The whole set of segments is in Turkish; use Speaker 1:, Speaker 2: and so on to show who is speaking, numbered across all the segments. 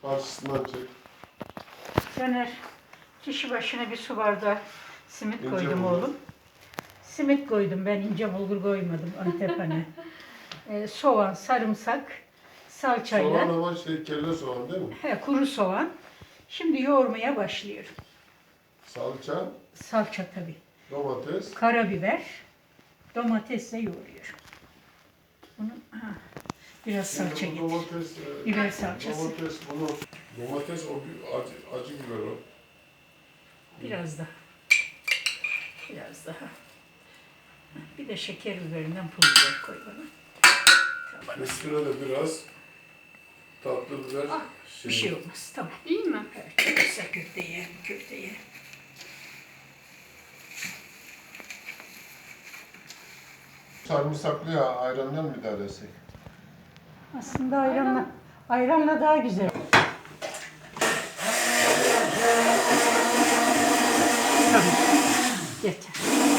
Speaker 1: Karşısından çek.
Speaker 2: Caner, kişi başına bir su bardağı simit
Speaker 1: İnce
Speaker 2: koydum
Speaker 1: bulgur.
Speaker 2: oğlum. Simit koydum, ben ince bulgur koymadım Antep hani. Soğan, sarımsak, salçayla.
Speaker 1: Soğan ama kelle soğan değil mi?
Speaker 2: Kuru soğan. Şimdi yoğurmaya başlıyorum.
Speaker 1: Salça,
Speaker 2: Salça tabii.
Speaker 1: domates.
Speaker 2: Karabiber, domatesle yoğuruyorum. Bunu biraz
Speaker 1: Şimdi
Speaker 2: salça
Speaker 1: bu
Speaker 2: getir.
Speaker 1: domates,
Speaker 2: Biber salçası.
Speaker 1: Domates o acı biber o.
Speaker 2: Biraz daha. Biraz daha. Bir de şeker biberinden pul biber koy bana.
Speaker 1: Üstüne de biraz tatlı biber.
Speaker 2: Bir şey olmaz. Tamam.
Speaker 3: İyi mi?
Speaker 2: Evet. Kısa köfteye.
Speaker 1: Sarımsaklı ayrandan mı idare etsek?
Speaker 2: Aslında ayranla daha güzel. Tamam. Yeter.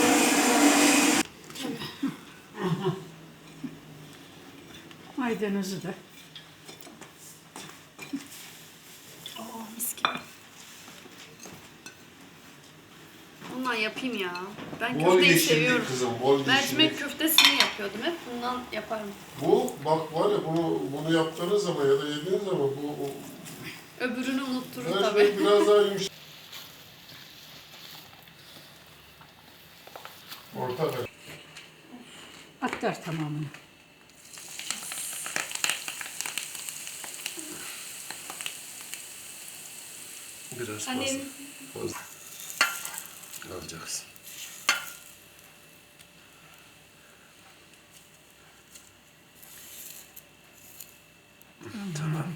Speaker 2: Maydanozu da.
Speaker 3: Mis gibi. Bundan yapayım ya. Ben
Speaker 1: Bol
Speaker 3: köfteyi
Speaker 1: yeşillik
Speaker 3: seviyorum.
Speaker 1: kızım, bol
Speaker 3: Mercimek
Speaker 1: yeşillik.
Speaker 3: köftesini yapıyordum hep. Bundan yaparım.
Speaker 1: Bu bak var ya bunu yaptığınız zaman ya da yediğiniz zaman bu
Speaker 3: Öbürünü unutturur
Speaker 1: her
Speaker 3: tabii.
Speaker 1: şey biraz daha yumuşak. Orta ver.
Speaker 2: Aktar tamamını.
Speaker 1: Biraz
Speaker 3: Hani
Speaker 1: fazla. Alacaksın. Tamam.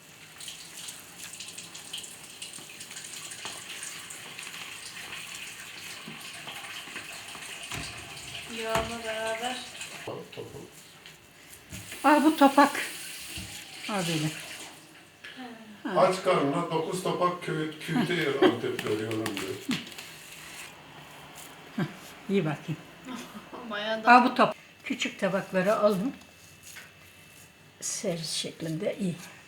Speaker 3: yağla beraber.
Speaker 2: Al bu topak. Al böyle.
Speaker 1: Aç karnına 9 tabak küfte yer Antep veriyorum diyor.
Speaker 2: İyi bakayım.
Speaker 3: Bayağı da
Speaker 2: Al bu top. Küçük tabakları alın. Servis şeklinde iyi.